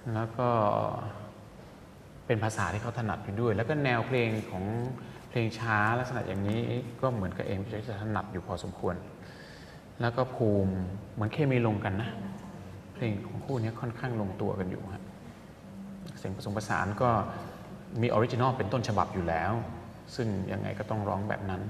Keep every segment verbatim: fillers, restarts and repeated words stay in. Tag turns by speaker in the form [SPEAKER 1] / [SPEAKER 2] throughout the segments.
[SPEAKER 1] แล้วก็เป็นภาษาที่เขาถนัดอยู่ด้วยแล้วก็แนวเพลงของเพลงช้าลักษณะอย่างนี้ก็เหมือนกับเอมจะถนัดอยู่พอสมควรแล้วก็ภูมิเหมือนเคมีลงกันนะเพลงของคู่นี้ค่อนข้างลงตัวกันอยู่ฮะเสียงผสมผสานก็มีออริจินอลเป็นต้นฉบับอยู่แล้วซึ่งยังไงก็ต้องร้องแบบนั้น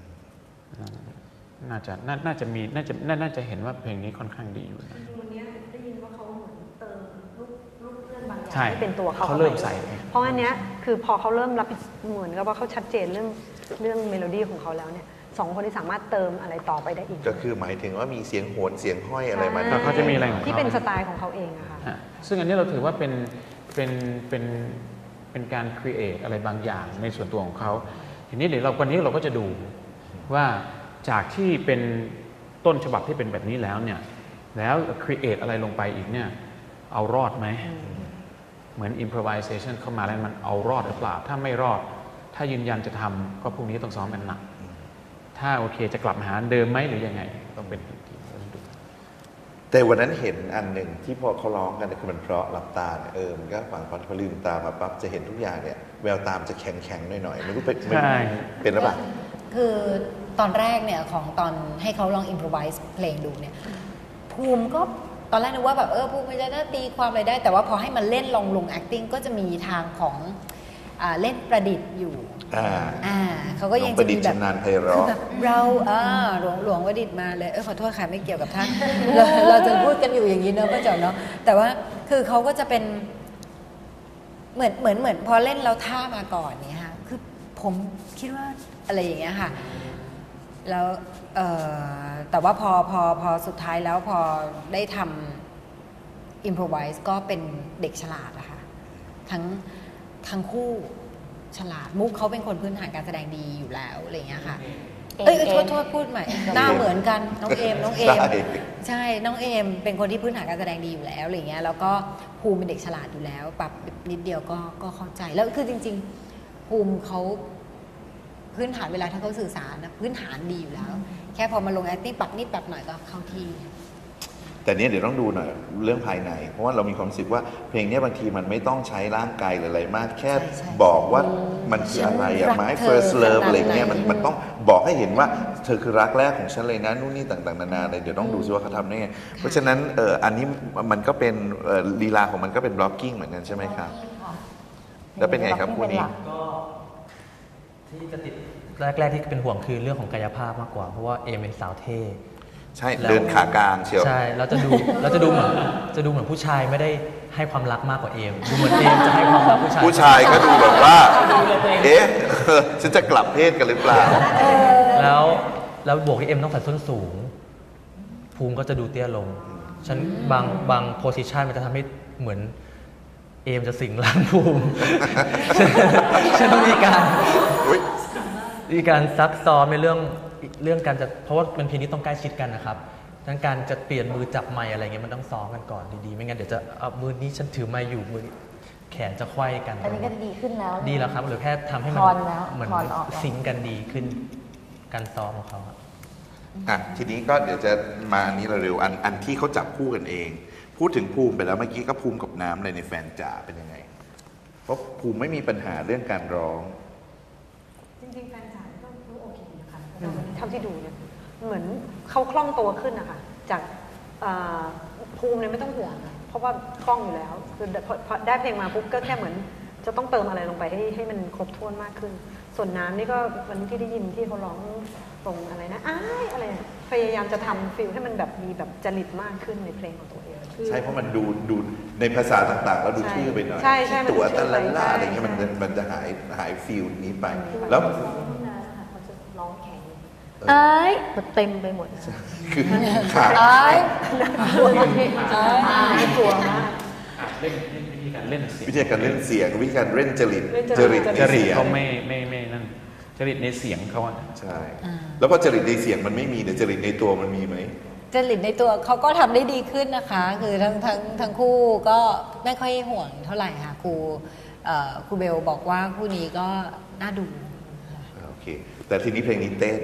[SPEAKER 1] น่าจะน่าจะมีน่าจะน่าจะเห็นว่าเพลงนี้ค่อนข้างดีอยู่นะ
[SPEAKER 2] วันนี้ได้ยินว่าเขาเหมือนเติมลูกลูกเลื่อนบางอย่าง
[SPEAKER 1] ใช่
[SPEAKER 2] ให้เป็นตัวเขา
[SPEAKER 1] เขาเริ่มใส่
[SPEAKER 2] เพราะอันเนี้ยคือพอเขาเริ่มรับเหมือนกับว่าเขาชัดเจนเรื่องเรื่องเมโลดี้ของเขาแล้วเนี่ยสองคนที่สามารถเติมอะไรต่อไปได้อีก
[SPEAKER 3] ก็คือหมายถึงว่ามีเสียงโหนเสียงห้อยอะไรมา
[SPEAKER 1] เขาจะมีอะไรของเขา
[SPEAKER 2] ที่เป็นสไตล์ของเขาเองอะค่ะ
[SPEAKER 1] ซึ่งอันนี้เราถือว่าเป็นเป็นเป็นเป็นการครีเอทอะไรบางอย่างในส่วนตัวของเขาทีนี้เดี๋ยวเราวันนี้เราก็จะดูว่าจากที่เป็นต้นฉบับที่เป็นแบบนี้แล้วเนี่ยแล้วครีเอทอะไรลงไปอีกเนี่ยเอารอดไหมเหมือน improvisation เข้ามาแล้วมันเอารอดหรือเปล่าถ้าไม่รอดถ้ายืนยันจะทำก็พรุ่งนี้ต้องซ้อมกันหนักถ้าโอเคจะกลับมาหาเดิมไหมหรือยังไงต้องเป็นอีกทีดู
[SPEAKER 3] แต่วันนั้นเห็นอันหนึ่งที่พอเขาร้องกันคือมันเพราะหลับตาเออมันก็ฟังพอลืมตามาปั๊บจะเห็นทุกอย่างเนี่ยแววตามจะแข็งๆหน่อยๆไม่รู้เป็นเป็นหรือเปล่า
[SPEAKER 4] คือตอนแรกเนี่ยของตอนให้เขาลอง improvise เพลงดูเนี่ยภูมิก็ตอนแรกนึกว่าแบบเออภูมิมันจะตีความอะไรได้แต่ว่าพอให้มันเล่นลงลง acting ก็จะมีทางของอ่าเล่นประดิษฐ์อยู่
[SPEAKER 3] อ่า
[SPEAKER 4] อ่าเขาก็ยังจะมีแบบ
[SPEAKER 3] แบบ
[SPEAKER 4] เราอ่าหลวงหลวงวดิษฐ์มาเลยเออขอโทษค่ะไม่เกี่ยวกับท่าน เราเราจะพูดกันอยู่อย่างนี้เนอะป้าจ๋อเนาะแต่ว่าคือเขาก็จะเป็นเหมือนเหมือนเหมือนพอเล่นเราท่ามาก่อนเนี่ยค่ะคือผมคิดว่าอะไรอย่างเงี้ยค่ะแล้วเอ่อแต่ว่าพอพอพอสุดท้ายแล้วพอได้ทำ improvise ก็เป็นเด็กฉลาดอะค่ะทั้งทั้งคู่ฉลาดมุกเขาเป็นคนพื้นฐานการแสดงดีอยู่แล้วอะไรอย่างเงี้ยค่ะเอ้ยโทษโทษพูดใหม่หน้าเหมือนกันน้องเอมน้องเอมใช่น้องเอมเป็นคนที่พื้นฐานการแสดงดีอยู่แล้วอะไรอย่างเงี้ยแล้วก็ภูมิเป็นเด็กฉลาดอยู่แล้วปรับนิดเดียวก็ก็เข้าใจแล้วคือจริงๆภูมิเขาพื้นฐานเวลาถ้าเขาสื่อสารนะพื้นฐานดีอยู่แล้วแค่พอมาลง acting ปรับนิดปรับหน่อยก็เข้าที่
[SPEAKER 3] แต่เนี้ยเดี๋ยวต้องดูหน่อยเรื่องภายในเพราะว่าเรามีความรู้สึกว่าเพลงนี้บางทีมันไม่ต้องใช้ร่างกายหรืออะไรมากแค่บอกว่ามันคืออะไรอะไม้ first love อะไรเงี้ยมันมันต้องบอกให้เห็นว่าเธอคือรักแรกของฉันเลยนะนู่นนี่ต่างๆนานาอะไรเดี๋ยวต้องดูซิว่าเขาทำได้ไงเพราะฉะนั้นเอออันนี้มันก็เป็นลีลาของมันก็เป็น blocking เหมือนกันใช่ไหมครับแล้วเป็นไงครับคู่นี้
[SPEAKER 5] ก็ที่จะติดแรกๆที่เป็นห่วงคือเรื่องของกายภาพมากกว่าเพราะว่าเอมเป็นสาวเท่
[SPEAKER 3] ใช่เดินขากลางเชียว
[SPEAKER 5] ใช่เราจะดูเราจะดูเหมือนจะดูเหมือนผู้ชายไม่ได้ให้ความรักมากกว่าเอมดูเหมือนเอมจะให้ความรักผู้ชาย
[SPEAKER 3] ผู้ชายก็ดูแบบว่าเอ๊ะฉันจะกลับเพศกันหรือเปล่า
[SPEAKER 5] แล้วแล้วบวกที่เอมต้องใส่ส้นสูงภูมิก็จะดูเตี้ยลงฉันบางบางโพสิชันมันจะทำให้เหมือนเอมจะสิงร่างภูมิฉันต้องมีการมีการซักซ้อมในเรื่องเรื่องการจะเพราะว่าเป็นเพลงที่ต้องใกล้ชิดกันนะครับทั้งการจะเปลี่ยนมือจับไมค์อะไรเงี้ยมันต้องซ้อมกันก่อนดีๆไม่งั้นเดี๋ยวจะเอามือนี้ฉันถือไมค์อยู่มือแขนจะไขว้กัน
[SPEAKER 6] อันนี้ก็ดีขึ้นแล้ว
[SPEAKER 5] ดีแล้วครับหรือแค่ทำให้มันเหมือนซิงกันดีขึ้นการซ้อมของเขา
[SPEAKER 3] อ่ะทีนี้ก็เดี๋ยวจะมาอันนี้เร็วๆอันอันที่เขาจับคู่กันเองพูดถึงภูมิไปแล้วเมื่อกี้ก็ภูมิกับน้ำเลยในแฟนจ๋าเป็นยังไงเพราะภูมิไม่มีปัญหาเรื่องการร้อง
[SPEAKER 2] จริงๆแฟนจ๋าก็โอเคนะคะเท่าที่ดูเนี่ยเหมือนเขาคล่องตัวขึ้นนะคะจากภูมิเนี่ยไม่ต้องห่วงเพราะว่าคล่องอยู่แล้วคือพอได้เพลงมาปุ๊บก็แค่เหมือนจะต้องเติมอะไรลงไปให้ให้มันครบถ้วนมากขึ้นส่วนน้ำนี่ก็วันที่ได้ยินที่เขาร้องตรงอะไรนะอ้ายอะไรพยายามจะทำฟีลให้มันแบบมีแบบจริตมากขึ้นในเพลงของตัวเอง
[SPEAKER 3] ใช่เพราะมันดูดูในภาษาต่างๆแล้วดูชื่อไปหน่อยตัวตะลันล่าอะไรเงี้ยมันมันจะหายหายฟีลนี้ไปแล้ว
[SPEAKER 6] เขาจะร้องแข็งเอ้ยมันเต็มไปหมด
[SPEAKER 3] คือขาด
[SPEAKER 6] เอ้ย
[SPEAKER 2] กลัวกลัวมาก
[SPEAKER 1] เล่นวิธีการเล่น
[SPEAKER 3] วิธีการเล่นเสียงวิธีการเล่นจริต
[SPEAKER 1] จริตจริตเขาไม่ไม่ไม่นั่นจริตในเสียงเขาอะ
[SPEAKER 3] ใช่แล้วพอจริตในเสียงมันไม่มีแต่จริตในตัวมันมีไหม
[SPEAKER 4] จริตในตัวเขาก็ทำได้ดีขึ้นนะคะคือทั้งทั้งทั้งคู่ก็ไม่ค่อยห่วงเท่าไหร่ค่ะครูครูเบลบอกว่าคู่นี้ก็น่าดู
[SPEAKER 3] โอเคแต่ทีนี้เพลงนี้เต้น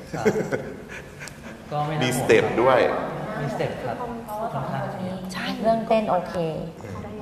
[SPEAKER 5] ก็ไม่
[SPEAKER 3] มีสเต็ปด้วย
[SPEAKER 5] มีสเต็ปครับ
[SPEAKER 6] ใช่เรื่องเต้นโอเค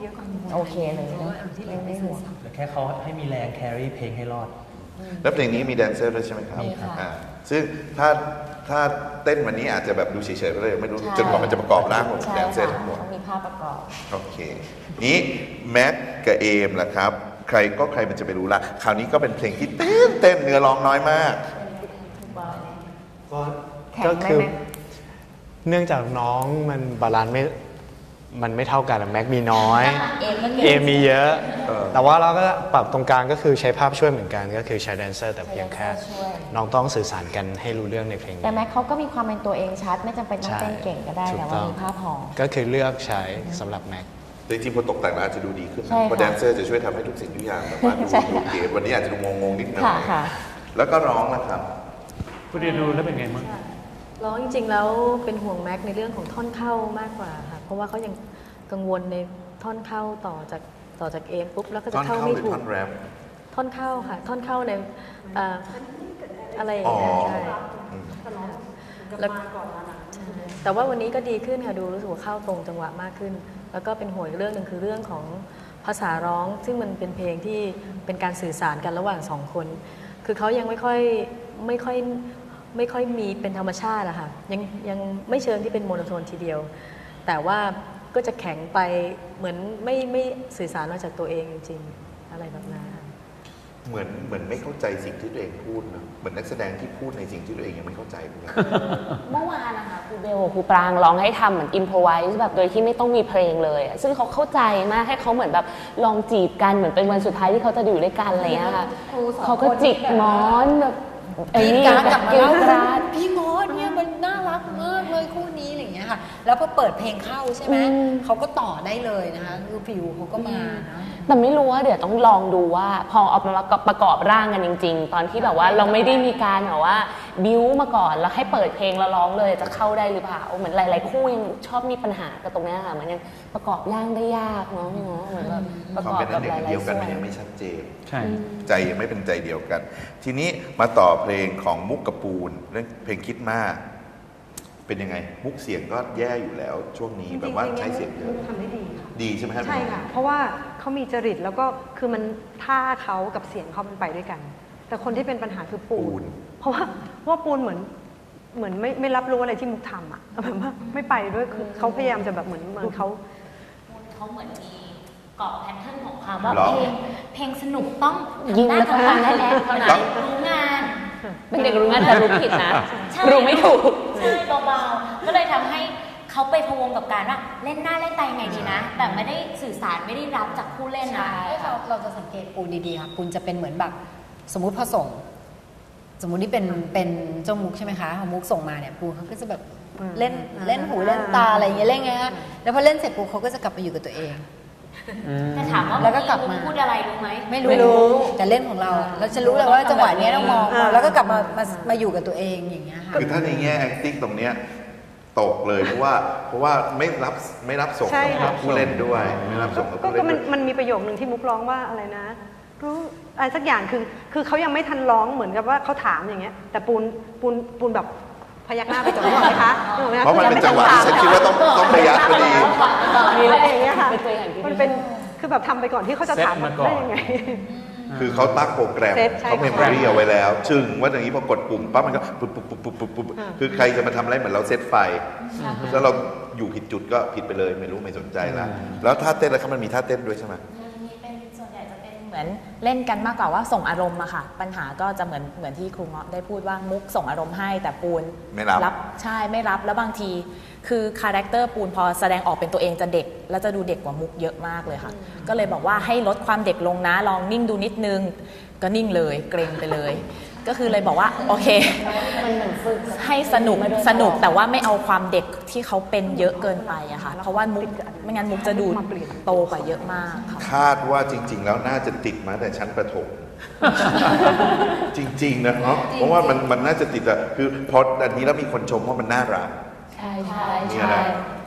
[SPEAKER 2] เยอะกว่า
[SPEAKER 6] โอเคเลย
[SPEAKER 2] เพราะว่าอันที่เหลือไม่ห่วง
[SPEAKER 5] แต่แค่เขาให้มีแรงแครี่เพลงให้รอด
[SPEAKER 3] แล้วเพลงนี้มีแดนเซอร์ด้วยใช่ไหมครับ
[SPEAKER 4] มีค่ะ
[SPEAKER 3] อ่าซึ่งถ้าถ้าเต้นวันนี้อาจจะแบบดูเฉยๆไปเลยไม่รู้
[SPEAKER 6] ใช่
[SPEAKER 3] จนกว่ามันจะประกอบร่างของ
[SPEAKER 6] ใช่
[SPEAKER 3] แดนเซอ
[SPEAKER 6] ค่ะ
[SPEAKER 3] ร์ทั้งหมด
[SPEAKER 6] ต้องมีภาพประกอบ
[SPEAKER 3] โอเค นี้แม็กกับเอมล่ะครับ ใครก็ใครมันจะไปรู้ละคราวนี้ก็เป็นเพลงที่เต้นเต้นเนื้อร้องน้อยมาก
[SPEAKER 7] ก็
[SPEAKER 6] แข็ง
[SPEAKER 7] ก็
[SPEAKER 6] ไหม
[SPEAKER 7] คือ
[SPEAKER 6] แม็ก
[SPEAKER 7] เนื่องจากน้องมันบาลานซ์ไม่มันไม่เท่ากันอะแม็กมีน้อย
[SPEAKER 6] เอมก็
[SPEAKER 7] เอมีเยอะ
[SPEAKER 3] เออ
[SPEAKER 7] แต่ว่าเราก็ปรับตรงกลางก็คือใช้ภาพช่วยเหมือนกันก็คือใช้แดนเซอร์แต่เพียงแค่
[SPEAKER 6] ช่วย
[SPEAKER 7] น้องต้องสื่อสารกันให้รู้เรื่องในเพลง
[SPEAKER 6] แต่
[SPEAKER 7] นี้
[SPEAKER 6] แม็กเขาก็มีความเป็นตัวเองชัด ไม่จำเป็นต้อง
[SPEAKER 7] ใช่
[SPEAKER 6] เต้นเก่งก็ได้
[SPEAKER 7] ถูก
[SPEAKER 6] แต่
[SPEAKER 7] ต้
[SPEAKER 6] ว่า
[SPEAKER 7] อง
[SPEAKER 6] มีภาพหอม
[SPEAKER 7] ก็คือเลือกใช้สำหรับแม็ก
[SPEAKER 3] จริงๆพอตกแต่งแล้วอาจจะดูดีขึ้น
[SPEAKER 6] ใช่
[SPEAKER 3] นะ
[SPEAKER 6] ค่ะ
[SPEAKER 3] เพราะแดนเซอร์จะช่วยทำให้ทุกสิ่งทุกอย่างแบบว่าดู
[SPEAKER 6] ใช่
[SPEAKER 3] ดูเก๋วันนี้อาจจะดูงงๆนิดหน่อย
[SPEAKER 6] ค่ะค่ะ
[SPEAKER 3] แล้วก็ร้องนะครับ
[SPEAKER 1] คุณเรียนดูแล้วเป็นไงมั้ง
[SPEAKER 8] ร้องจริงๆแล้วเป็นห่วงแม็กในเรื่องของท่อนเข้ามากกว่าค่ะเพราะว่าเขายังกังวลในท่อนเข้าต่อจากต่อจากเอมปุ๊บแล้วก็
[SPEAKER 3] ท่
[SPEAKER 8] จะ
[SPEAKER 3] อน
[SPEAKER 8] เข้า
[SPEAKER 3] เข้า
[SPEAKER 8] ไม่
[SPEAKER 3] หรือ
[SPEAKER 8] ถูก
[SPEAKER 3] ท่อนแรป
[SPEAKER 8] ท่อนเข้าค่ะ ท่อนเข้าในเอ่ออะไรอย่างเงี้ย
[SPEAKER 3] อ๋อ
[SPEAKER 8] ใช่
[SPEAKER 3] อืม
[SPEAKER 8] แล้วใช่แต่ว่าวันนี้ก็ดีขึ้นค่ะดูรู้สึกว่าเข้าตรงจังหวะมากขึ้น แล้วก็เป็นห่วงอีกเรื่องหนึ่งคือเรื่องของภาษาร้อง ซึ่งมันเป็นเพลงที่เป็นการสื่อสารกันระหว่างสองคน คือเขายังไม่ค่อยไม่ค่อยไม่ค่อยมีเป็นธรรมชาติอะค่ะยังยังไม่เชิงที่เป็นโมโนโทนทีเดียว แต่ว่าก็จะแข็งไปเหมือนไม่ไม่สื่อสารมาจากตัวเองจริงๆอะไรแบบนั้นค่ะ
[SPEAKER 3] เหมือนเหมือนไม่เข้าใจสิ่งที่ตัวเองพูดนะเหมือนนักแสดงที่พูดในสิ่งที่ตัวเองยังไม่เข้าใจเหมือนกัน
[SPEAKER 9] เมื่อวานนะคะครูเบลกับครูปรางร้องให้ทำเหมือนอิมพอไวส์แบบโดยที่ไม่ต้องมีเพลงเลยอะซึ่งเขาเข้าใจมากให้เขาเหมือนแบบลองจีบกันเหมือนเป็นวันสุดท้ายที่เขาจะอยู่ด้วยกันอะไรอย่างเงี้ยค่ะเขาก็จิกหมอนแบบไอ้
[SPEAKER 4] พี่
[SPEAKER 9] นี่
[SPEAKER 4] การดกลับมา
[SPEAKER 9] เกลียว
[SPEAKER 4] เล่าก
[SPEAKER 9] ราด
[SPEAKER 4] พี่มดเนี่ยมันน่ารักมากเลยคู่นี้อะไรอย่างเงี้ยค่ะ แล้วพอเปิดเพลงเข้าใช่ไหม
[SPEAKER 9] อืม
[SPEAKER 4] เขาก็ต่อได้เลยนะคะคือผิวเขาก็มาเนาะ
[SPEAKER 9] แต่ไม่รู้ว่าเดี๋ยวต้องลองดูว่าพอเอามาประกอบร่างกันจริง ๆ ตอนที่แบบว่าเราไม่ได้มีการแบบว่าบิ้วมาก่อนแล้วให้เปิดเพลงแล้วร้องเลยจะเข้าได้หรือเปล่าเหมือนหลาย ๆ คู่ยังชอบมีปัญหากับตรงเนี้ยค่ะมันยังประกอบร่างได้ยากเนาะเนาะเหมือนแบบประ
[SPEAKER 3] ควาก ม
[SPEAKER 9] อบ
[SPEAKER 3] เป็น
[SPEAKER 9] กั
[SPEAKER 3] อั
[SPEAKER 9] บ
[SPEAKER 3] นหนึ่
[SPEAKER 9] ห
[SPEAKER 3] ง
[SPEAKER 9] ลาย
[SPEAKER 3] เดียว
[SPEAKER 9] ๆ
[SPEAKER 3] กั
[SPEAKER 9] ส่
[SPEAKER 3] น
[SPEAKER 9] ว
[SPEAKER 3] มัน
[SPEAKER 9] น
[SPEAKER 3] ยังไม่ชัดเจน
[SPEAKER 1] ใช่
[SPEAKER 3] ใจยังไม่เป็นใจเดียวกัน ทีนี้มาต่อเพลงของมุกกระปูนเรื่องเพลงคิดมาก เป็นยังไง มุกเสียงก็แย่อยู่แล้ว ช่วงนี้แบบว่าใช้เสียงเยอะ
[SPEAKER 2] ทำได้ดีค่ะ
[SPEAKER 3] ดีใช่ไหมครับ
[SPEAKER 2] ใช่ค่ะ เพราะว่าเขามีจริตแล้วก็คือมันท่าเขากับเสียงเขามันไปด้วยกัน แต่คนที่เป็นปัญหาคือปู
[SPEAKER 3] ปูน
[SPEAKER 2] น เพราะว่าเพราะว่าปูนเหมือนเหมือนไม่ไม่รับรู้อะไรที่มุกทำอ่ะแบบว่าไม่ไปด้วยคือเขาพยายามจะแบบเหมือนเหมือนเขา
[SPEAKER 10] เขาเหมือนมีเกาะแพทเทิร์นของความว่า
[SPEAKER 3] หรอ
[SPEAKER 10] เพลงเพลงสนุกต้อง
[SPEAKER 9] ยิงแล้วต้องฟังแน่ๆเท่านั้น
[SPEAKER 10] รู้งาน
[SPEAKER 9] เป็นเด็กรู้งานแต่รู้ผิดนะ
[SPEAKER 10] ใช่
[SPEAKER 9] รู้ไม่ถูก
[SPEAKER 10] ใช่เบาๆก็เลยทำให้เขาไปพะวงกับการว่าเล่นหน้าเล่นตายังไงดีนะ แต่ไม่ได้สื่อสารไม่ได้รับจากผู้เล่นนะ
[SPEAKER 4] เราเราจะสังเกตปูนดีๆค่ะปูนจะเป็นเหมือนแบบสมมุติพอส่ง สมมุตินี่เป็นเป็นเจ้ามุกใช่ไหมคะพอมุกส่งมาเนี่ยปูเขาก็จะแบบเล่นเล่นหูเล่นตาอะไรอย่างเงี้ยเล่นไงฮะแล้วพอเล่นเสร็จปูเขาก็จะกลับไปอยู่กับตัวเอง
[SPEAKER 10] แต่ถามว่า
[SPEAKER 4] แล้วก็กลับมา
[SPEAKER 10] พูดอะไรรู้ไหม
[SPEAKER 4] ไม่รู้แต่เล่นของเราอะเราจะรู้เลยว่าจังหวะเนี้ยต้องมองมองแล้วก็กลับมามามาอยู่กับตัวเองอย่างเงี้ยค่ะ
[SPEAKER 3] คือถ้าในแง่ acting ตรงเนี้ยตกเลยเพราะว่าเพราะว่าไม่รับไม่รับส่ง
[SPEAKER 2] ใช่
[SPEAKER 3] กั
[SPEAKER 2] ค่ะ
[SPEAKER 3] บผู้เล่นด้วย ไม่รับส่งกับ
[SPEAKER 2] ก็
[SPEAKER 3] ผู้
[SPEAKER 2] ก็
[SPEAKER 3] เล่น
[SPEAKER 2] มัน
[SPEAKER 3] ด้วย
[SPEAKER 2] มันมีประโยคนึงที่มุกร้องว่าอะไรนะ รู้อะไรสักอย่างคือคือเขายังไม่ทันร้องเหมือนกับว่าเขาถามอย่างเงี้ย แต่ปูนปูนปูนแบบพยักหน้าไปก่อนนึกออกไหมคะนึกออกไหมค
[SPEAKER 3] เพราะมันเป็นจังหวะที่ฉันคิดว่าต้องต้องพยักพอดี
[SPEAKER 2] มีอะไรอย่างเงี้ยค่ะ
[SPEAKER 9] เป็นตัวอย่างที่ดี
[SPEAKER 2] มันเป็นคือแบบทำไปก่อนที่เขาจะถาม
[SPEAKER 1] เซ็ตมาก่อน
[SPEAKER 2] ได้ยังไง
[SPEAKER 3] คือเขาตั้งโปรแกรม
[SPEAKER 2] เซ็ตใช่
[SPEAKER 3] เขาเมมโมรีเอาไว้แล้ว จึงว่าอย่างนี้พอกดปุ่มปั๊บมันก็ปุ๊บปุ๊บปุ๊บปุ๊บปุ๊บปุ๊บคือใครจะมาทำอะไรเหมือนเราเซตไฟ แล้วเราอยู่ผิดจุดก็ผิดไปเลยไม่รู้ไม่สนใจละแล้วท่าเต้นแล้วครับมันมีท่าเต้นด้วยใช่ไหม
[SPEAKER 11] มีเป็นส่วนใหญ่จะเป็นเหมือนเล่นกันมากกว่าว่าส่งอารมณ์อะค่ะ ปัญหาก็จะเหมือนเหมือนที่ครูเงาะได้พูดว่ามุกส่งอารมณ์ให้แต่ปูน
[SPEAKER 3] ไม่รับ
[SPEAKER 11] ใช่ไม่รับแล้วบางที คือคาแรคเตอร์ปูนพอแสดงออกเป็นตัวเองจะเด็ก แล้วจะดูเด็กกว่ามุกเยอะมากเลยค่ะ ก็เลยบอกว่าให้ลดความเด็กลงนะลองนิ่งดูนิดนึง ก็นิ่งเลยเกรงไปเลย ก็คือเลยบอกว่าโอเคให้สนุกสนุกแต่ว่าไม่เอาความเด็กที่เขาเป็นเยอะเกินไปอะค่ะเพราะว่ามุกไม่งั้นมุกจะดูโตกว่าเยอะมากค่ะ
[SPEAKER 3] คาดว่าจริง ๆ แล้วน่าจะติดมาแต่ชั้นประถม จริง ๆ นะเนาะเพราะว่ามันมันน่าจะติดอะคือพออันนี้แล้วมีคนชมว่ามันน่ารัก
[SPEAKER 9] ใช่ใช่
[SPEAKER 3] เนี่ย
[SPEAKER 9] ใช่
[SPEAKER 3] นะ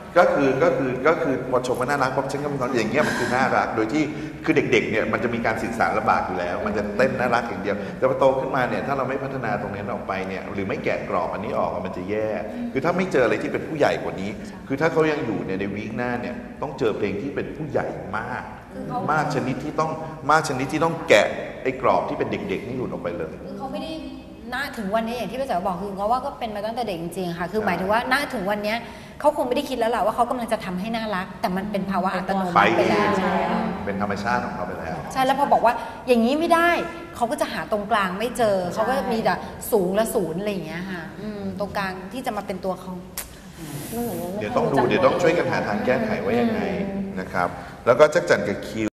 [SPEAKER 3] ก็คือก็คือก็คือพอชมว่าน่ารักป๊อปฉันก็มีความอย่างเงี้ยมันคือน่ารักโดยที่คือเด็กๆเนี่ยมันจะมีการสื่อสารลำบากอยู่แล้ว มันจะเต้นน่ารักอย่างเดียวแต่พอโตขึ้นมาเนี่ยถ้าเราไม่พัฒนาตรงนี้ออกไปเนี่ยหรือไม่แกะกรอบอันนี้ออกมันจะแย่คือถ้าไม่เจออะไรที่เป็นผู้ใหญ่กว่านี้ คือถ้าเขายังอยู่เนี่ยในวีคหน้าเนี่ยต้องเจอเพลงที่เป็นผู้ใหญ่มากมากชนิดที่ต้องมากชนิดที่ต้องแกะไอ้กรอบที่เป็นเด็กๆนี่หลุดออกไปเลย
[SPEAKER 4] คือเขาไม่ได้ณถึงวันนี้อย่างที่พี่แจ๋วบอกคือเพราะว่าก็เป็นมาตั้งแต่เด็กจริงๆค่ะคือหมายถึงว่าณถึงวันนี้เขาคงไม่ได้คิดแล้วแหละว่าเขากำลังจะทำให้น่ารัก แต่มันเป็นภาวะอัตโนมัติไปแล้ว
[SPEAKER 3] เป็นธรรมชาติของเขาไปแล้ว
[SPEAKER 4] ใช่แล้วพอบอกว่าอย่างนี้ไม่ได้เขาก็จะหาตรงกลางไม่เจอเขาก็มีแต่สูงและศูนย์อะไรอย่างเงี้ยค่ะตรงกลางที่จะมาเป็นตัวเขา
[SPEAKER 3] เดี๋ยวต้องดูเดี๋ยวต้องช่วยกันหาทางแก้ไขว่ายังไงนะครับแล้วก็จักจั่นกับคิว